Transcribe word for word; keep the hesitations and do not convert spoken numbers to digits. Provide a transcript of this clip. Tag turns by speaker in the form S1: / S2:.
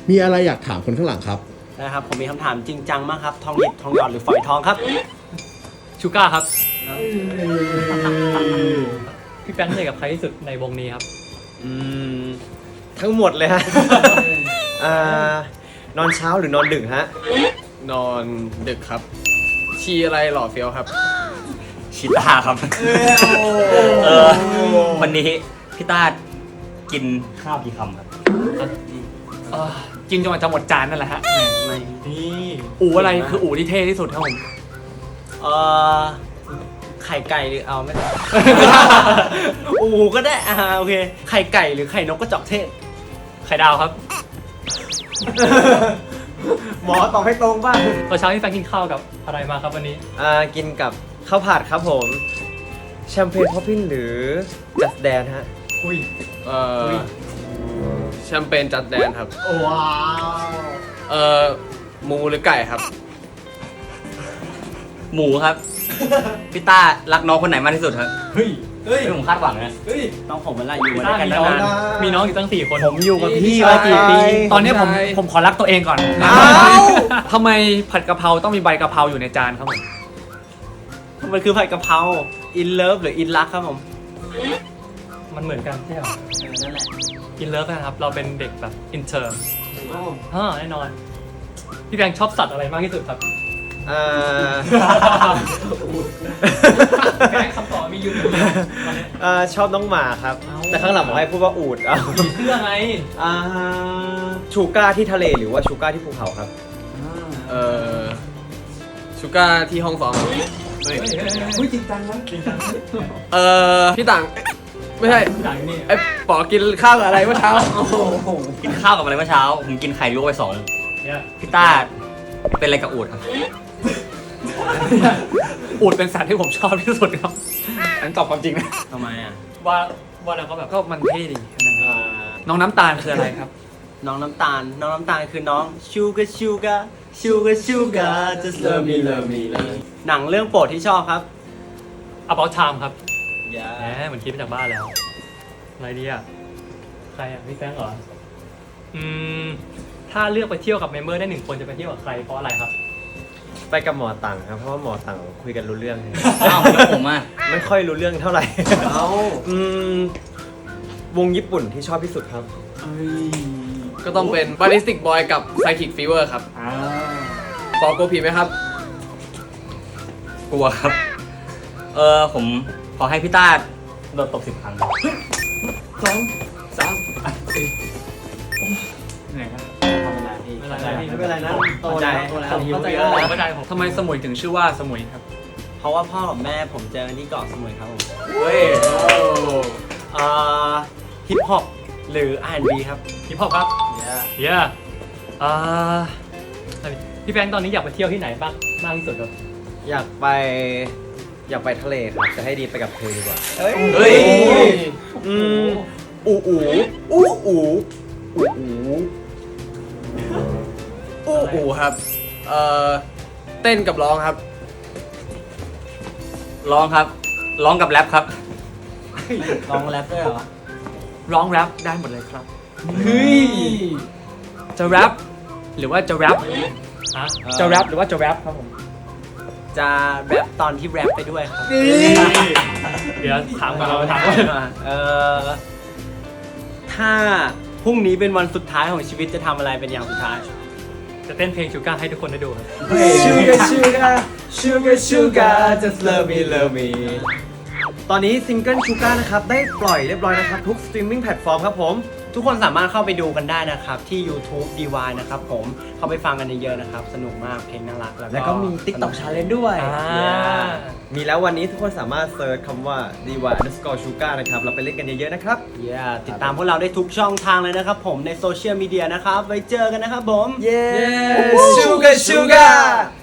S1: มีอะไรอยากถามคนข้างหลังครับ
S2: นะครับผมมีคำถามจริงจังมากครับทองหยิบทองหยอดหรือฝอยทองครับ
S3: ชูก้าครับพี่แป้งเหนื่อยกับใครที่สุดในวงนี้ครับ
S2: อืมทั้งหมดเลยฮะอ่านอนเช้าหรือนอนดึกฮะ
S4: นอนดึกครับชีอะไรหล่อเฟี้ยวครับ
S5: ชิต้าครับเออวันนี้พี่ต้ากินข้าวกี่คำครับ
S3: กินจนกว่าจะหมดจานนั่นแหละฮะ
S2: ไม่
S3: นี่อู๋อะไรคืออู๋ที่เท่ที่สุดครับผม
S2: เออไข่ไก่หรือเอาไม่ได้อู๋ก็ได้อ่าโอเคไข่ไก่หรือไข่นกกระจอกเทศ
S3: ไข่ดาวครับ
S2: หมอตอบให้ตรงบ้าง
S3: ตอนเช้าที่แฟนกินข้าวกับอะไรมาครับวันนี้
S2: อ่ากินกับข้าวผัดครับผมแชมเปญพอปปิ้นหรือจัสแดนฮะ
S3: อุ้ย
S4: เอ่อแชมเปญจัดแดนครับ
S2: ว้าว
S4: เอ่อหมูหรือไก่ครับ
S5: หมูครับพี่ต้ารักน้องคนไหนมากที่สุดครับ
S3: เฮ้ยเฮ้ย
S5: ผมคาดหวังนะ
S3: เฮ้ย
S2: น้องผมมันไรอยู่มาด้วยกันนาน
S3: มีน้องอยู่ตั้งสี่คน
S2: ผมอยู่กับพี่มากี่ปี
S3: ตอนนี้ผมผมขอรักตัวเองก่อนทำไมผัดกะเพราต้องมีใบกะเพราอยู่ในจานครับผม
S2: มันคือผัดกะเพราอินเลิฟหรืออินรักครับผม
S3: มันเหมือนกันใช่ไหม
S2: นั่นแหละ
S3: อินเลิฟนะครับเราเป็นเด็กแบบอินเตอร์อ่าแน่นอนพี่แบงค์ชอบสัตว์อะไรมากที่สุดครับ
S2: อ่า
S3: แบงค์คำตอบมีอยู่
S2: อ่าชอบน้องหมาครับแต่ข้างหลังผมให้พูดว่าอูฐอ่ะ
S3: เพื่อไง
S2: อ่าชูก้าที่ทะเลหรือว่าชูก้าที่ภูเขาครับ
S4: เอ่อชูก้าที่ห้องซ้อม
S3: เฮ้ยเฮ้ยจริงจังนะจริงจัง
S4: เอ่อพี่ต่างไม่ใช่
S3: ต่างนี่
S4: ไอ้ปอกินข้าวกับอะไรเมื่อเช้า
S5: กินข้าวกับอะไรเมื่อเช้าผมกินไข่ลวกไปสองพี่ต้าเป็นอะไรกับอูฐครับ
S3: อูฐเป็นสัตว์ที่ผมชอบที่สุดครับอันตอบความจริงนะ
S2: ทำไมอ่ะ
S3: ว่าว่าแล้วก็แบบก็มันเท่ดีน้องน้ำตาลคืออะไรครับ
S2: น้องน้ำตาลน้องน้ำตาลคือน้องชูกาชูกาชูกาชูกา just love me love me หนังเรื่องโปรดที่ชอบครับ
S3: About Time ครับ
S2: อย่า
S3: แหมเหมือนคิดมาจากบ้านแล้วอะไรดีอ่ะใครอ่ะพี่แฟงเหรออืมถ้าเลือกไปเที่ยวกับเมมเบอร์ได้หนึ่งคนจะไปเที่ยวกับใครเพราะอะไรครับ
S2: ไปกับหมอตังครับเพราะว่าหมอตังคุยกันรู้เรื่อง
S5: อ้าวแล้วผมอ่ะ
S2: ไม่ค่อยรู้เรื่องเท่าไหร่เอ้าอืมวงญี่ปุ่นที่ชอบที่สุดครับ
S4: ก็ต้องเป็น Ballistic Boy กับ Psychic Fever ครับปอกลัวผีไหมครับ
S5: กลัวครับเออผมขอให้พี่ต้าโดนตบสิบครั้ง
S3: สองสามสี่
S2: เหนื่อยครับ
S3: ไม่เป็นไร
S2: ไม่เป็นไรนะโตแล้วโตแล้ว
S3: เข้าใจแล้วเข้าใจผมทำไมสมุยถึงชื่อว่าสมุยครับ
S2: เพราะว่าพ่อกับแม่ผมเจอกันที่เกาะสมุยครับผม
S4: เฮ้ย
S2: อ่าฮิปฮอปหรือ อาร์ แอนด์ บี ครับ
S3: ฮิปฮอปครับเย้อ่าพี่แฟงตอนนี้อยากไปเที่ยวที่ไหนบ้างมากที่สุดครับ
S2: อยากไปอยากไปทะเลครับจะให้ดีไปกับเธอดีกว่า
S4: เฮ้ย
S2: อืมอูอูอูอูอูอู
S4: อู้อูครับเอ่อเต้นกับร้องครับ
S5: ร้องครับร้องกับแรปครับ
S2: ร้องแรปด้วยเหรอ
S3: ร้องแรปได้หมดเลยครับเฮ้ยจะแรปหรือว่าจะแรปจะแรปหรือว่าจะแรปครับผมจะแรปตอนที่แรปไปด้วยครับเดี๋ยวถามก่อนเราถามก่อนเออถ้าพรุ่งนี้เป็นวันสุดท้ายของชีวิตจะทำอะไรเป็นอย่างสุดท้ายจะเต้นเพลงชูก้าให้ทุกคนได้ดูครับ
S2: Sugar Sugar Sugar Sugar just love me love me ตอนนี้ซิงเกิลชูก้านะครับได้ปล่อยเรียบร้อยนะครับทุกสตรีมมิ่งแพลตฟอร์มครับผมทุกคนสามารถเข้าไปดูกันได้นะครับที่ YouTube ดี วาย นะครับผมเข้าไปฟังกันเยอะๆนะครับสนุกมากเพลงน่ารักแล้วก็มี TikTok Challenge ด้วยมีแล้ววันนี้ทุกคนสามารถเซิร์ชคำว่า ดี วาย underscore sugar นะครับเราไปเล่นกันเยอะๆนะครับติดตามพวกเราได้ทุกช่องทางเลยนะครับผมในโซเชียลมีเดียนะครับไว้เจอกันนะครับผม
S4: Sugar Sugar